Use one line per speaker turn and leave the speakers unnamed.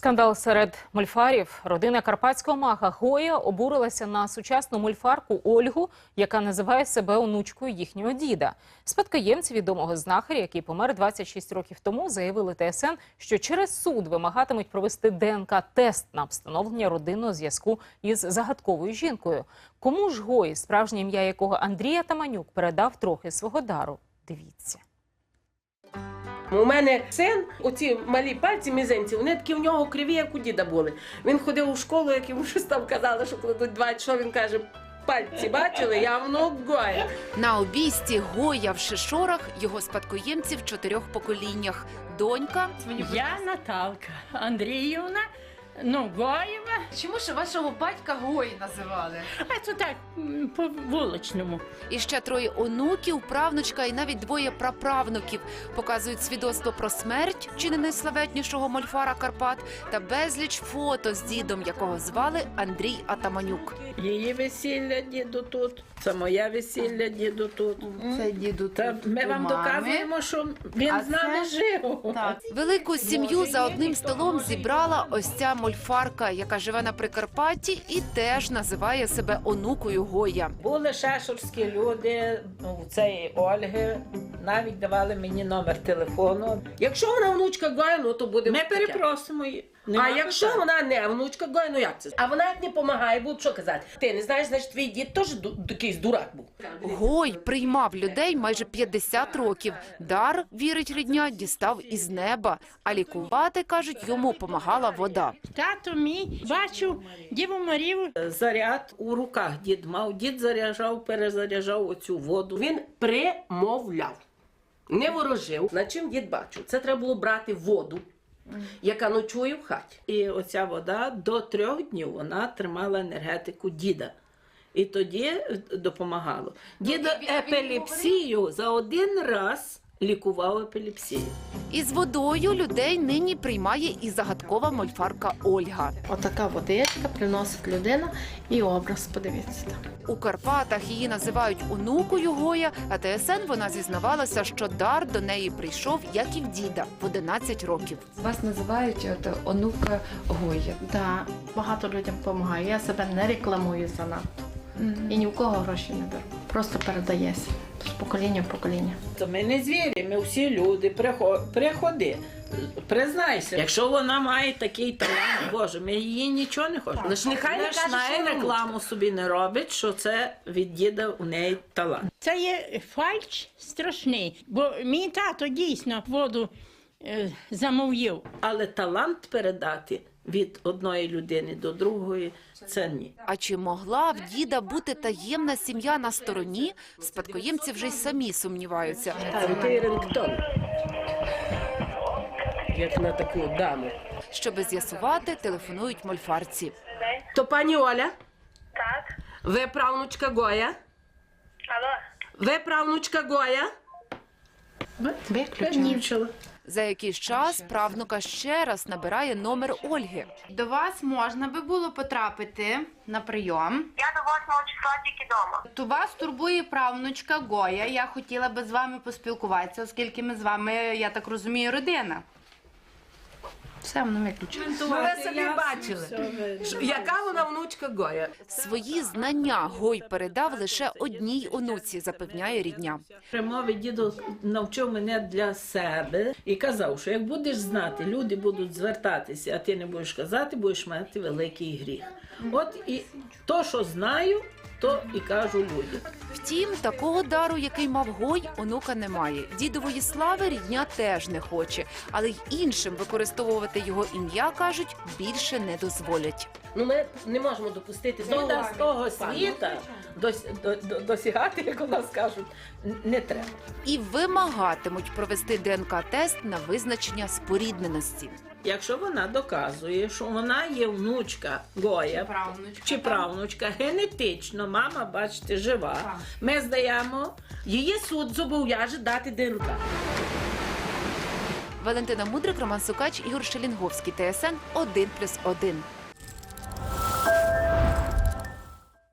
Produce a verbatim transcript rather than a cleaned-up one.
Скандал серед мольфарів. Родина карпатського мага Гоя обурилася на сучасну мольфарку Ольгу, яка називає себе онучкою їхнього діда. Спадкоємці відомого знахаря, який помер двадцять шість років тому, заявили Т С Н, що через суд вимагатимуть провести Д Н К-тест на встановлення родинного зв'язку із загадковою жінкою. Кому ж Гой, справжнє ім'я якого Андрій Атаманюк, передав трохи свого дару? Дивіться.
У мене син, оці малі пальці, мізинці, вони такі в нього криві, як у діда були. Він ходив у школу, як йому щось там казали, що кладуть двадцять, що він каже, пальці бачили, я внук Гоя.
На обійсті Гоя в Шишорах його спадкоємці в чотирьох поколіннях. Донька.
Я Наталка Андріївна, ну, Гоєва.
Чому ж вашого батька Гой називали?
А це так, м, по вуличному.
І ще троє онуків, правнучка і навіть двоє праправнуків показують свідоцтво про смерть чи не найславетнішого мольфара Карпат та безліч фото з дідом, якого звали Андрій Атаманюк.
Її весілля діду тут, це моє весілля діду тут.
Це діду
Та
тут
ми
у
вам
мами.
доказуємо, що він
А
з нами
це-
жив.
Так.
Велику сім'ю за одним столом зібрала ось ця мольфарка, яка живе на Прикарпатті і теж називає себе онукою Гоя.
Були шешурські люди, ну, у цієї Ольги, навіть давали мені номер телефону.
Якщо вона внучка Гоя, ну то буде
Ми
таке.
перепросимо її.
А
Нема
якщо
питань.
вона не внучка Гоя, ну як це? А вона як не допомагає, будуть що казати? Ти не знаєш, значить твій дід теж ду- якийсь дурак був.
Гой приймав людей майже п'ятдесят років. Дар, вірить рідня, дістав із неба. А лікувати, кажуть, йому помагала вода.
Тато мій бачив Діву Марію.
Заряд у руках дід мав. Дід заряджав, перезаряджав оцю воду.
Він примовляв, не ворожив. На чим дід бачив? Це треба було брати воду, яка ночує в хаті.
І оця вода до трьох днів вона тримала енергетику діда. І тоді допомагало. Дід епілепсію за один раз лікував епілепсію.
Із водою людей нині приймає і загадкова мольфарка Ольга.
Отака водичка приносить людина і образ, подивіться там.
У Карпатах її називають онукою Гоя, а Т С Н вона зізнавалася, що дар до неї прийшов, як і в діда, в одинадцять років.
Вас називають от, онука Гоя.
Да, багато людям допомагаю. Я себе не рекламую занадто. І ні в кого гроші не беру. Просто передається з покоління в покоління.
То ми не звірі, ми всі люди. Прихо- Приходи, признайся. Якщо вона має такий талант, Боже, ми її нічого не хочемо.
Лиш нехай не
Лиш
каже,
най
що вона
рекламу собі не робить, що це від діда у неї талант.
Це є фальш страшний, бо мій тато дійсно воду е, замовив.
Але талант передати від одної людини до другої – це ні.
А чи могла в діда бути таємна сім'я на стороні? Спадкоємці вже й самі сумніваються.
Крутий рингтон, як на таку даму.
Щоби з'ясувати, телефонують мольфарці.
То пані Оля,
Так,
ви правнучка Гоя?
алло,
Ви правнучка Гоя?
Виключено.
За якийсь час правнука ще раз набирає номер Ольги.
До вас можна би було потрапити на прийом.
я до восьмого числа тільки вдома.
То вас турбує правнучка Гоя. Я хотіла би з вами поспілкуватися, оскільки ми з вами, я так розумію, родина.
Все, воно виключено.
Ну, ви собі бачили, що- яка вона внучка Гоя.
Свої знання Гой передав лише одній онуці, запевняє рідня.
Примови дідо навчив мене для себе і казав, що як будеш знати, люди будуть звертатися, а ти не будеш казати, будеш мати великий гріх. От і то, що знаю, то і кажу людям.
Втім, такого дару, який мав Гой, онука немає. Дідової слави рідня теж не хоче, але й іншим використовувати його ім'я, кажуть, більше не дозволять.
Ну ми не можемо допустити
Діда з того
пану.
світа дос- до- до- досягати, як у нас кажуть, н- не треба.
І вимагатимуть провести Д Н К-тест на визначення спорідненості.
Якщо вона доказує, що вона є внучка Гоя
Правнучка.
чи правнучка, генетично, мама, бачите, жива, ми здаємо.
Її суд зобов'яже дати Д Н К.
Валентина Мудрик, Роман Сукач, Ігор Шелінговський, Т С Н один плюс один.